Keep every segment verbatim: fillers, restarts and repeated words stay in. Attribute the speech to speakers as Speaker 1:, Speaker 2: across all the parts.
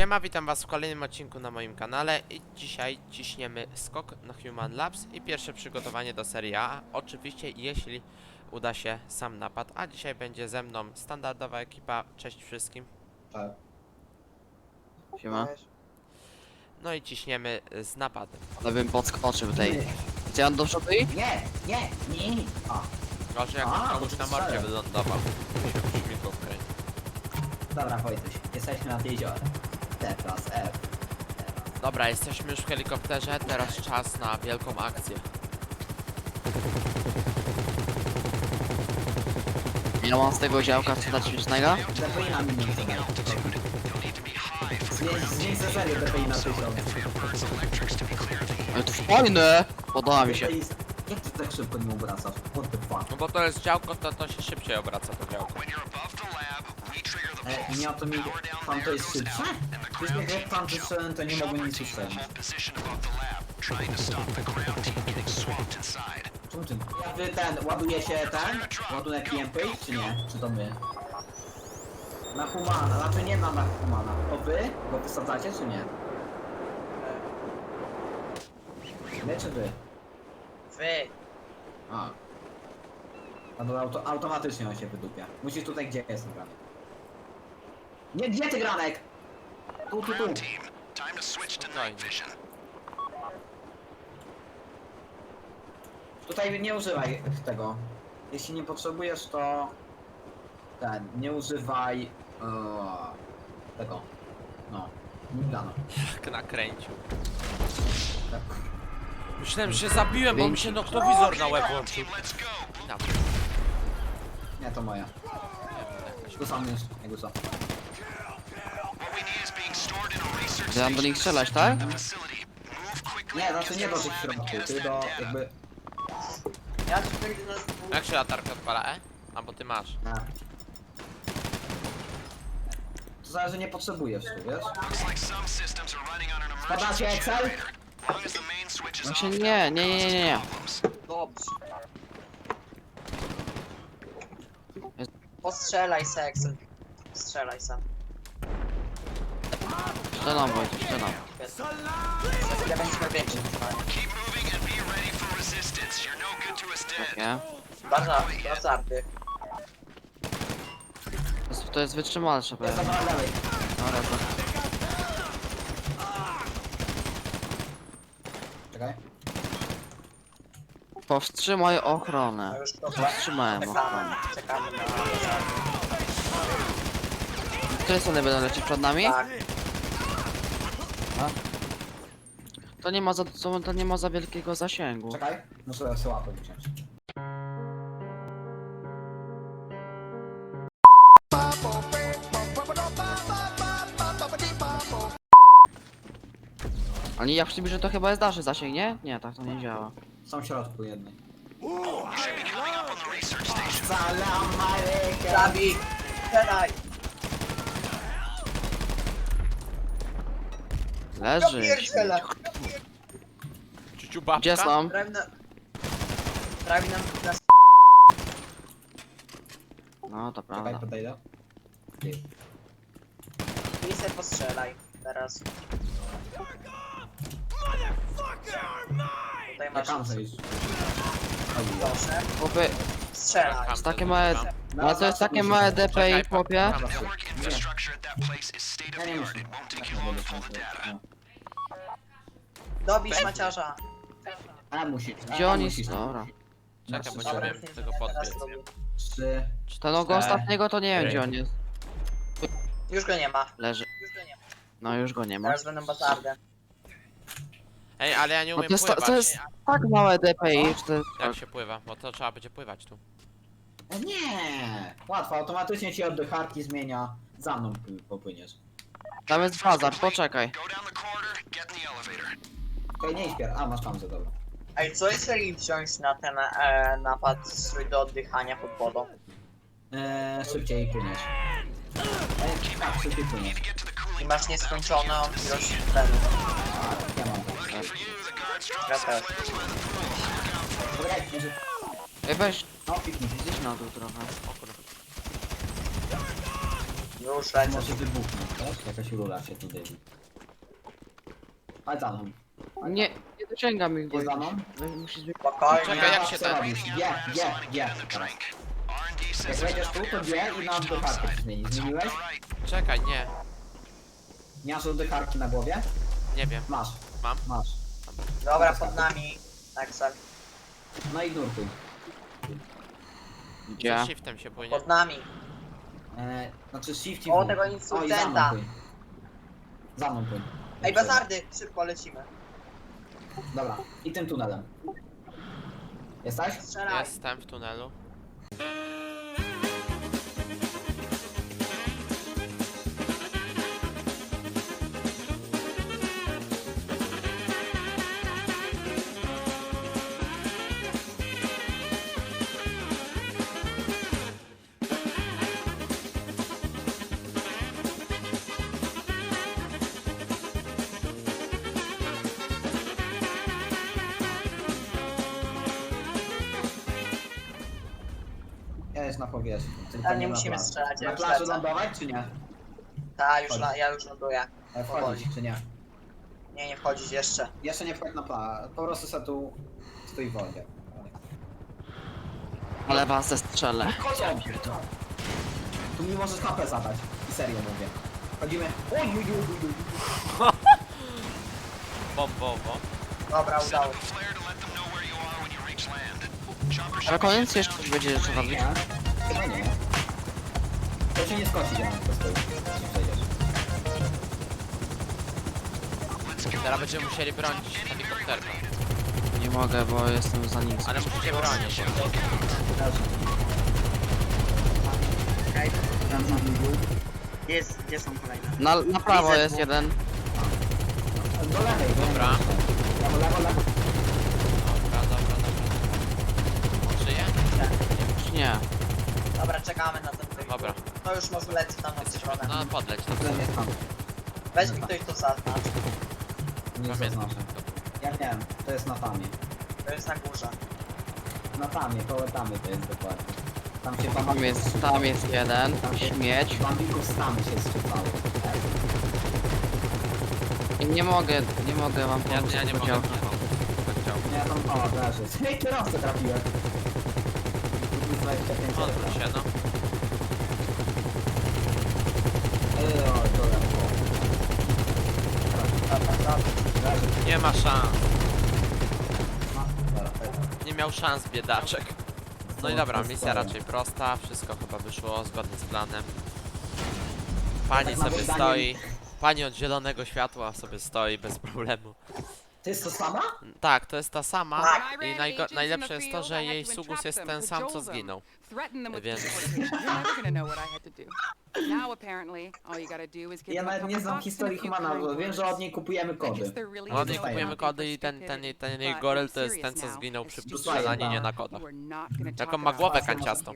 Speaker 1: Siema, witam was w kolejnym odcinku na moim kanale i dzisiaj ciśniemy skok na Human Labs i pierwsze przygotowanie do serii A. Oczywiście jeśli uda się sam napad, a dzisiaj będzie ze mną standardowa ekipa. Cześć wszystkim.
Speaker 2: Tak.
Speaker 3: Siema.
Speaker 1: No i ciśniemy z napadem.
Speaker 3: Ale bym podskoczył tej. Gdzie on do przodu i?
Speaker 2: Nie, nie, nie. O,
Speaker 1: Gorzej jak
Speaker 2: A,
Speaker 1: komuś
Speaker 2: bo
Speaker 1: na
Speaker 2: to
Speaker 1: mordzie
Speaker 2: strzelę.
Speaker 1: wylądował. Się śmigło wkręci.
Speaker 2: dobra Wojtuś, jesteśmy nad jeziorem. T plus F.
Speaker 1: Dobra, jesteśmy już w helikopterze, teraz czas na wielką akcję.
Speaker 3: Ile mam z tego działka co dać śmiesznego?
Speaker 2: D P I na milion zadaj. Zmień ze serio D P I na tysiąc.
Speaker 3: Ale to fajne! Podoba mi się.
Speaker 2: D P I jak ty tak szybko nie obracasz? What the fuck?
Speaker 1: No bo to jest działko, to to się szybciej obraca to działko.
Speaker 2: E, nie o to mi... Tam to jest szybsze? Przecież jak tam wyszedłem, to nie mogłem nic usłyszeć. Czemu ty? Wy ten, ładuje się ten? Ładunek P M P, czy nie? Czy to my? Na Humana, znaczy nie ma na Humana. To wy? Go wysadzacie, czy nie? My czy wy?
Speaker 4: Wy!
Speaker 2: A. No to auto, automatycznie on się wydupia. Musisz tutaj, gdzie jest granek. Nie, gdzie ty granek? Tu, tu, tu.
Speaker 1: Spokojnie.
Speaker 2: Tutaj nie używaj tego. Jeśli nie potrzebujesz, to... Ten, nie używaj... Eee, tego. No. Migano.
Speaker 1: Jak nakręcił.
Speaker 2: Tak.
Speaker 1: Myślałem, że się zabiłem, bo mi się noktowizor na łeb włączył. Tam.
Speaker 2: Nie, to moja. Tu sam już, jakby co.
Speaker 3: Że mam do nich strzelać, tak?
Speaker 2: Nie, znaczy nie do tych środków, ty do jakby...
Speaker 4: Ja ci tak do nas...
Speaker 1: Jak się latarka odpala, e? A bo ty masz.
Speaker 2: Na. To zależy, nie potrzebujesz tu, wiesz? Spadacie Excel?
Speaker 3: Właśnie nie, nie, nie, nie, nie.
Speaker 4: Dobrze. Postrzelaj se, Excel. Strzelaj se.
Speaker 3: Strzelam, Wojtek, strzelam.
Speaker 4: Za chwilę będziemy więcej.
Speaker 3: Takie.
Speaker 4: Bardzo, bardzo arty.
Speaker 3: To jest, to jest wytrzymalsze
Speaker 2: Jest
Speaker 3: pewnie.
Speaker 2: na lewej.
Speaker 3: Dobra, to.
Speaker 2: Czekaj.
Speaker 3: Powstrzymaj
Speaker 4: No
Speaker 3: ochronę.
Speaker 4: już to
Speaker 3: Powstrzymałem ochronę.
Speaker 4: Czekamy, czekamy na...
Speaker 3: Które strony będą lecieć przed nami?
Speaker 4: Tak.
Speaker 3: To nie ma za, to, to nie ma za wielkiego zasięgu.
Speaker 2: Czekaj. Muszę sobie łapę wciąć.
Speaker 3: Ale jak przybliżę, to chyba jest dalszy zasięg, nie? Nie, tak to nie działa.
Speaker 2: Są w środku jednej. Salam alejkum.
Speaker 4: Zabij! Strzelaj!
Speaker 3: Leży.
Speaker 4: pierdzielę.
Speaker 1: Ciuciu babka?
Speaker 3: Gdzie są?
Speaker 4: Prawie na... Prawie nam... nas...
Speaker 3: No to
Speaker 2: Czekaj,
Speaker 3: prawda.
Speaker 2: podejdę. Ty.
Speaker 4: I se postrzelaj. Teraz. Tutaj
Speaker 2: Ja
Speaker 4: masz...
Speaker 2: tam zejść.
Speaker 4: Proszę.
Speaker 3: Chłopy,
Speaker 4: Strzelaj.
Speaker 3: jest takie małe... Ale to jest takie małe D P I, chłopie.
Speaker 2: Ja nie myślę.
Speaker 4: Dobić maciarza.
Speaker 2: A musi.
Speaker 3: Gdzie
Speaker 2: A,
Speaker 3: oni
Speaker 2: musi.
Speaker 3: są? Dobra.
Speaker 1: Czekaj, bo
Speaker 4: Dobra,
Speaker 1: nie wiem tego
Speaker 4: teraz
Speaker 1: podbiec.
Speaker 4: robię.
Speaker 2: Trzy.
Speaker 3: Czy ten ogo ostatniego to nie wiem gdzie on jest.
Speaker 4: Już go nie ma.
Speaker 3: Leży.
Speaker 4: Już go nie ma.
Speaker 3: No już go nie ma.
Speaker 4: Teraz będą bazardy.
Speaker 1: Ej, ale ja nie
Speaker 3: No
Speaker 1: umiem
Speaker 3: to jest, to,
Speaker 1: pływać.
Speaker 3: to jest tak małe D P I, że to jest...
Speaker 1: Jak się pływa? Bo to trzeba będzie pływać tu.
Speaker 2: E, Nie! Łatwo, automatycznie ci oddycharki zmienia. Za mną pły- popłyniesz.
Speaker 3: Tam jest bazar, poczekaj.
Speaker 2: Okej, nie śpier. A, masz tam za dobro.
Speaker 4: Ej, co jeżeli wziąć na ten e, napad strój do oddychania pod wodą?
Speaker 2: Eee, szybciej płyniesz. Eee, tak, szybciej płyniesz.
Speaker 4: I masz nieskończoną ilość tlenu.
Speaker 2: Ja mam to.
Speaker 4: Ja też.
Speaker 2: Dobra, jak będzie...
Speaker 3: Ej weź,
Speaker 2: No, piknij.
Speaker 3: gdzieś na dół trochę.
Speaker 1: O kurwa.
Speaker 4: Już lecę.
Speaker 2: Może wybuchnąć, tak? Wiesz? Jakaś rura się tu dymi. Chodź za mną.
Speaker 3: Nie, nie dociągam ich, bo
Speaker 2: Jest za mną?
Speaker 3: musisz zmienić.
Speaker 4: Spokojnie.
Speaker 1: Czekaj, jak się
Speaker 2: Co
Speaker 1: ten-
Speaker 2: robisz? G, G, G. Teraz. Jak wejdziesz tu, to G i na oddycharkę zmienić. Zmieniłeś?
Speaker 1: Czekaj, nie.
Speaker 2: Nie masz oddycharki na głowie?
Speaker 1: Nie wiem.
Speaker 2: Masz.
Speaker 1: Mam?
Speaker 2: Masz.
Speaker 4: Dobra, pod nami. Axel.
Speaker 2: No i nurkuj.
Speaker 3: Gdzie?
Speaker 1: Za shiftem się płynie.
Speaker 4: Pod nami.
Speaker 2: E, znaczy shift i
Speaker 4: O,
Speaker 2: W.
Speaker 4: tego
Speaker 2: O, i za mną
Speaker 4: insurgenta.
Speaker 2: płyń. Za mną płyń.
Speaker 4: Ej, bazardy! Szybko lecimy.
Speaker 2: Dobra, i tym tunelem. Jesteś?
Speaker 4: Strzelaj.
Speaker 1: Jestem w tunelu.
Speaker 2: Jest na powierzchni. tylko
Speaker 4: Ale nie
Speaker 2: na
Speaker 4: musimy
Speaker 2: plaży.
Speaker 4: strzelać, ja
Speaker 2: Na
Speaker 4: już
Speaker 2: plaży
Speaker 4: lecę.
Speaker 2: lądować czy nie?
Speaker 4: Ta, już la, ja już ląduję.
Speaker 2: E, Wchodzić czy nie?
Speaker 4: Nie, nie wchodzić jeszcze.
Speaker 2: Jeszcze nie wchodź na plażę. Po prostu se tu stój w wodzie.
Speaker 3: Ale was zestrzelę.
Speaker 2: Chodzą! Tu mi możesz H P zadać. I serio mówię. Chodzimy. Oj, oj, oj, oj, oj.
Speaker 1: Bombowo.
Speaker 4: Dobra, udało się.
Speaker 3: Na koniec jeszcze coś będzie trzeba robić.
Speaker 2: Nie? Chyba nie. To się nie skoczy, ja po prostu. Nie przejdziesz.
Speaker 1: Teraz będziemy musieli bronić helikopterkę.
Speaker 3: Nie mogę, bo jestem za nim.
Speaker 1: Ale musicie bronić.
Speaker 2: Leży.
Speaker 4: Okej, Jest, gdzie są kolejne?
Speaker 3: Na, na prawo
Speaker 4: Widzę
Speaker 3: jest
Speaker 4: dwóch.
Speaker 3: jeden.
Speaker 2: Do lewej. do
Speaker 1: Dobra.
Speaker 2: lewej. Lewo, lewo, lewo.
Speaker 1: Dobra, dobra, dobra. On żyje?
Speaker 3: Czy nie?
Speaker 4: Dobra, czekamy na ten wyjście.
Speaker 1: Dobra.
Speaker 4: To już może leci tam od strony.
Speaker 1: No podleć.
Speaker 2: Ten jest tam.
Speaker 4: Weź mi ktoś to zaznacz.
Speaker 2: Nie
Speaker 1: Pamiętam.
Speaker 2: zaznaczę. Ja wiem, to jest na tamie.
Speaker 4: To jest na górze.
Speaker 2: Na tamie, koło tamy to jest dokładnie. Tam się
Speaker 3: Tam
Speaker 2: bambików...
Speaker 3: jest, tam jest jeden. Śmieć.
Speaker 2: Bambików z tamy się strzypały.
Speaker 3: I nie mogę, nie mogę wam
Speaker 1: Ja,
Speaker 3: pomóc.
Speaker 1: ja nie mogę.
Speaker 3: powiedział.
Speaker 1: Tak chciał.
Speaker 2: Nie, tam... O, leży. Hej, kierowcę trafiłem. dwadzieścia pięć
Speaker 1: Odwróć się, no.
Speaker 2: Ej, o, to lewo.
Speaker 4: Dobra, dobra.
Speaker 2: Leży.
Speaker 1: Nie ma szans.
Speaker 2: No, dobra, dobra.
Speaker 1: Nie miał szans, biedaczek. No i dobra, misja raczej prosta. Wszystko chyba wyszło zgodnie z planem. Pani
Speaker 2: Tak, moim
Speaker 1: sobie
Speaker 2: zdaniem-
Speaker 1: stoi. Pani od zielonego światła sobie stoi bez problemu.
Speaker 2: To jest to sama?
Speaker 1: Tak, to jest ta sama.
Speaker 4: Tak.
Speaker 1: I najgo- najlepsze jest to, że jej sugus jest ten sam, co zginął. Więc
Speaker 2: Ja nawet nie znam historii Humana, bo wiem, że od niej kupujemy kody.
Speaker 1: od niej kupujemy kody i ten, ten, ten jej goryl to jest ten, co zginął przy strzelaninie na kodach. Jaką ma głowę kanciastą.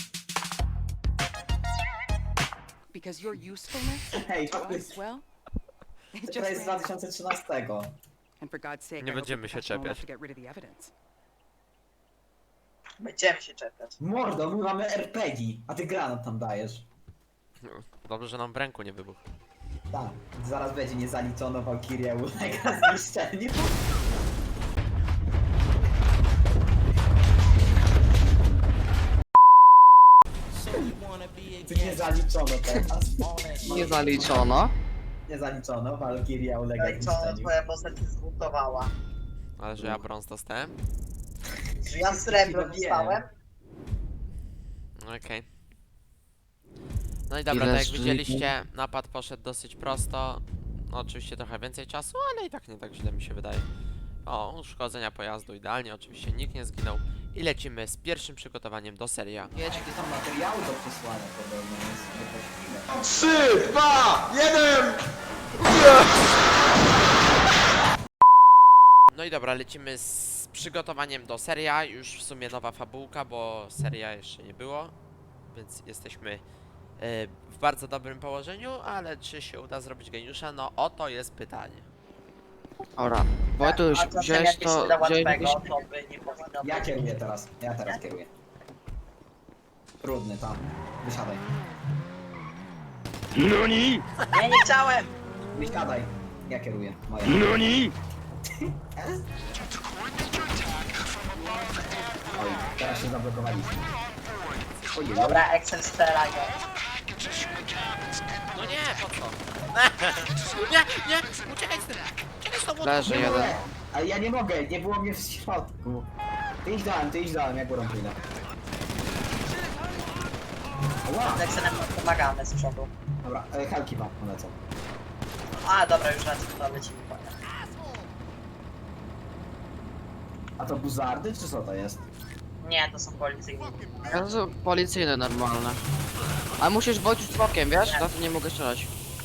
Speaker 5: Because your usefulness
Speaker 2: Hej,
Speaker 5: to
Speaker 2: to
Speaker 5: us,
Speaker 2: jest,
Speaker 5: well, it
Speaker 2: to jest z
Speaker 5: just ran
Speaker 2: dwa tysiące trzynastego.
Speaker 5: And for God's sake,
Speaker 1: Nie
Speaker 5: I hope
Speaker 1: będziemy
Speaker 5: you're
Speaker 1: się
Speaker 5: professional enough
Speaker 1: czepiać.
Speaker 5: to get rid of the evidence.
Speaker 4: Będziemy się czepiać.
Speaker 2: Mordo, my mamy er pe gie, a ty granat tam dajesz.
Speaker 1: Dobrze, że nam w ręku nie wybuchł.
Speaker 2: Tak, zaraz będzie niezaliczono Valkyria ulega zniszczeniu. Ty nie zaliczono teraz.
Speaker 3: Nie zaliczono.
Speaker 2: Nie zaliczono, Valkyria ulega
Speaker 4: Ej, co
Speaker 2: zniszczeniu.
Speaker 4: twoja postać się zbutowała?
Speaker 1: Ale że ja brąz dostałem?
Speaker 4: Czy ja srebro
Speaker 2: Wiem.
Speaker 4: dostałem?
Speaker 1: Okej. No i dobra,
Speaker 3: Ile
Speaker 1: tak jak
Speaker 3: żyć?
Speaker 1: widzieliście, napad poszedł dosyć prosto. No, oczywiście trochę więcej czasu, ale i tak nie tak źle mi się wydaje. O, uszkodzenia pojazdu idealnie, oczywiście nikt nie zginął. I lecimy z pierwszym przygotowaniem do serii A.
Speaker 2: Jakie tam materiały do przesłania podobno jest niepociwne.
Speaker 6: trzy, dwa, jeden!
Speaker 1: No i dobra, lecimy z przygotowaniem do serii A. Już w sumie nowa fabułka, bo seria jeszcze nie było. Więc jesteśmy e, w bardzo dobrym położeniu, ale czy się uda zrobić geniusza? No oto jest pytanie.
Speaker 3: Dobra, Wojtuś,
Speaker 4: A czasem
Speaker 3: wziąłeś
Speaker 4: jak
Speaker 3: to,
Speaker 4: się da
Speaker 3: wziąłeś
Speaker 4: łatwego, to by nie powinno
Speaker 2: Ja
Speaker 4: być.
Speaker 2: kieruję teraz, ja teraz kieruję. Trudny tam, wysiadaj.
Speaker 6: NANI?!
Speaker 4: Nie, nie chciałem!
Speaker 2: Wysiadaj. Ja kieruję. Moja.
Speaker 6: NANI?!
Speaker 2: Oj, teraz się zablokowaliśmy. Ojej,
Speaker 4: Dobra, Excel strzelaj go.
Speaker 1: No nie, po co? Nie, nie, uciekaj z tym! Uciekaj z tą łódką!
Speaker 3: Leży
Speaker 2: nie
Speaker 3: jeden.
Speaker 2: mogę. Ale ja nie mogę, nie było mnie w środku. Ty idź dałem, ty idź dałem, ja górą pójdę. Ła!
Speaker 4: Z Excelem pomagamy z przodu.
Speaker 2: Dobra, e, helki wam polecą.
Speaker 4: A, dobra, już lecimy, to lecimy.
Speaker 2: A to buzardy, czy co to jest?
Speaker 4: Nie, to są policyjni.
Speaker 3: To są policyjne normalne. Ale musisz wojść bokiem, wiesz? Na to nie mogę strzelać.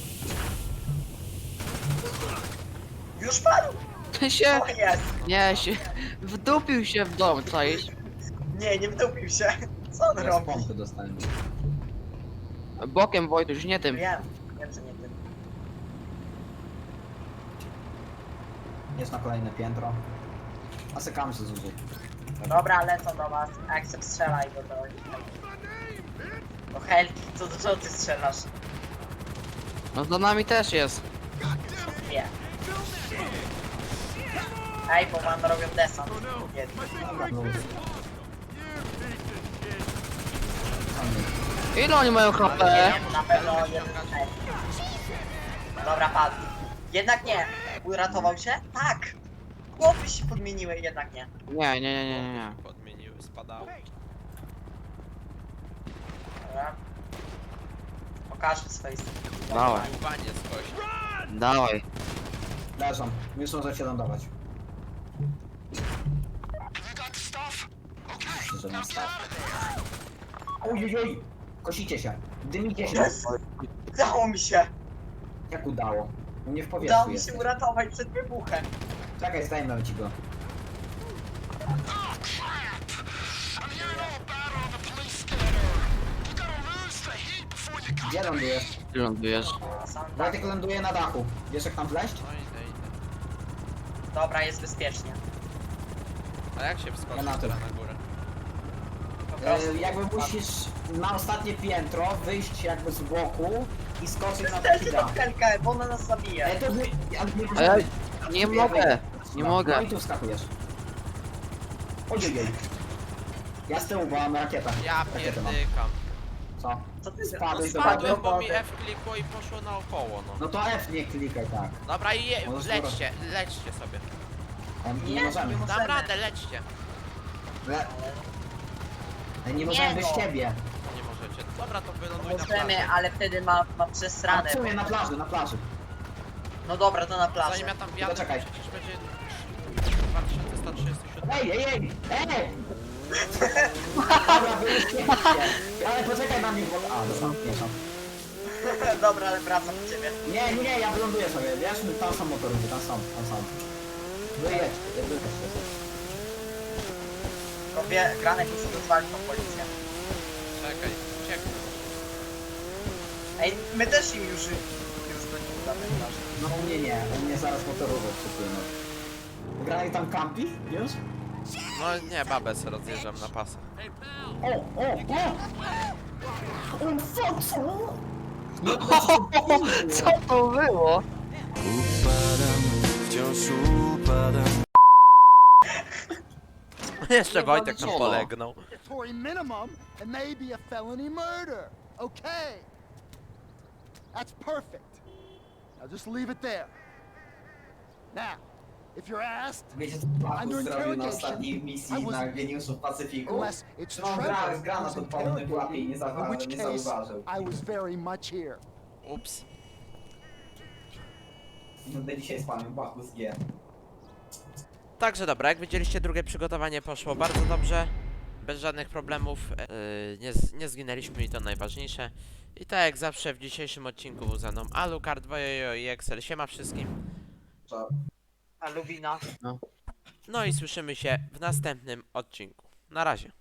Speaker 4: Już padł?
Speaker 3: Ty się...
Speaker 4: O jest!
Speaker 3: Nie, się... Wdupił się w dom, czaisz?
Speaker 4: Nie, nie wdupił się. Co on
Speaker 2: Ja z
Speaker 4: robi?
Speaker 2: pompy dostałem.
Speaker 3: Bokiem Wojtuś, nie tym.
Speaker 4: Wiem, wiem, że nie tym.
Speaker 2: Jest na kolejne piętro. A sekam się zużyć.
Speaker 4: Dobra, lecą do was. Excel strzelaj go do... Do Helki, co, co ty strzelasz?
Speaker 3: No za nami też jest.
Speaker 4: Nie. Ej, bo mam robią desant. Jedni.
Speaker 2: Dobra, no już.
Speaker 3: Ile oni mają H P?
Speaker 4: Nie, na pewno jeden. Ej. Dobra, padł. Jednak nie. Uratował się? Tak. Chłopy się podmieniły, jednak nie.
Speaker 3: Nie, nie, nie, nie, nie, nie.
Speaker 1: Podmieniły, spadały.
Speaker 4: Dobra. Pokażmy swoje
Speaker 3: Dawaj.
Speaker 1: Panie skoś.
Speaker 3: Dawaj.
Speaker 2: Leżą, już może się lądować. Myślę, że mam staw. Ojej, kosicie się, dymicie się.
Speaker 4: Jest. Udało mi się.
Speaker 2: Jak udało? U mnie w
Speaker 4: Udało
Speaker 2: powietrzu
Speaker 4: mi
Speaker 2: jest.
Speaker 4: się uratować przed wybuchem.
Speaker 2: Czekaj, zdejmę ci go. Gdzie lądujesz?
Speaker 3: Ty lądujesz.
Speaker 4: Są tak.
Speaker 2: Wojtek ląduje na dachu. Wiesz jak tam wleźć?
Speaker 1: No idę, idę.
Speaker 4: Dobra, jest bezpiecznie.
Speaker 1: A jak się wskoczy
Speaker 2: Ja na to.
Speaker 1: teraz na górę?
Speaker 4: Po prostu.
Speaker 2: E, jakby musisz na ostatnie piętro wyjść jakby z boku i skoczyć na
Speaker 4: Też
Speaker 2: taki
Speaker 4: tą
Speaker 2: dach.
Speaker 4: Helkę, bo ona nas zabije.
Speaker 2: E, to wy... ale nie
Speaker 3: A ja
Speaker 2: możemy-
Speaker 3: nie mogę. Nie
Speaker 2: No,
Speaker 3: mogę.
Speaker 2: No i tu wskakujesz. Ojej. Ja z tyłu, bo mam rakietę.
Speaker 1: Ja
Speaker 2: Rakietę mam.
Speaker 1: pierdykam.
Speaker 2: Co?
Speaker 4: Co ty
Speaker 2: Spadłeś do
Speaker 1: Spadłem,
Speaker 2: wody?
Speaker 1: bo mi F klikło i poszło naokoło, no.
Speaker 2: No to F nie klikaj tak.
Speaker 1: Dobra, i je,
Speaker 2: Możesz
Speaker 1: lećcie, lećcie sobie.
Speaker 2: Em, Nie,
Speaker 4: Nie,
Speaker 2: możemy.
Speaker 4: nie
Speaker 1: Dam
Speaker 4: Możemy.
Speaker 1: radę, lećcie.
Speaker 2: Le... E, Nie możemy
Speaker 4: Nie,
Speaker 2: bez
Speaker 4: no.
Speaker 2: ciebie.
Speaker 1: Nie możecie. Dobra, to wyląduj na
Speaker 4: Możemy,
Speaker 1: plaży.
Speaker 4: ale wtedy ma, ma
Speaker 2: A
Speaker 4: przesrane.
Speaker 2: w sumie na plaży, na plaży.
Speaker 4: No dobra, to na plaży.
Speaker 1: Zanim ja tam wjadę, to
Speaker 2: czekaj.
Speaker 1: przecież będzie dwa tysiące sto trzydzieści siedem.
Speaker 2: Ej, ej, ej! Ej! Dobra, wyjście. Ale poczekaj na mnie, bo... A, dostałem pieszą.
Speaker 4: Dobra, ale wracam do ciebie.
Speaker 2: Nie, nie, nie, ja wyląduję sobie, wiesz? Tam są motory, tam są, tam są. Wyjedź, wyjedź.
Speaker 4: Tylko wie, Granek musi rozwalić tą policję.
Speaker 1: Czekaj, ucieknę.
Speaker 4: Ej, my też im już, już gonimy na tej plaży.
Speaker 2: No u mnie nie, u mnie zaraz motorowo przypłyną. Grali tam kampi? Już?
Speaker 1: No nie, babę se rozjeżdżam na pasę.
Speaker 2: O, o, o! O, fuck, co? No,
Speaker 3: Co to było?
Speaker 1: Jeszcze
Speaker 3: Nie
Speaker 1: Wojtek tam
Speaker 3: walczono.
Speaker 1: polegnął.
Speaker 7: Mandatory minimum and maybe a felony murder. Okay. That's perfect. Now just leave it there. Now, if you're asked,
Speaker 2: Wiecie co Baku zrobił na ostatniej misji na geniuszu w Pacyfiku?
Speaker 7: unless it's
Speaker 2: No, gra,
Speaker 7: Trevor
Speaker 2: gra na
Speaker 7: who's
Speaker 2: to podobny pułapie i nie,
Speaker 7: interrogating, in which
Speaker 2: zauwa- nie
Speaker 7: case
Speaker 2: zauważył.
Speaker 7: I was very much here.
Speaker 1: Ups.
Speaker 2: Będę dzisiaj spamił Baku z G.
Speaker 1: Także dobra, jak widzieliście, drugie przygotowanie poszło bardzo dobrze. Bez żadnych problemów. Yy, nie, z- nie zginęliśmy i to najważniejsze. I tak jak zawsze w dzisiejszym odcinku był ze mną Alucard, Wojojo i Excel. Siema wszystkim.
Speaker 2: Co?
Speaker 4: A Lubina?
Speaker 1: No i słyszymy się w następnym odcinku. Na razie.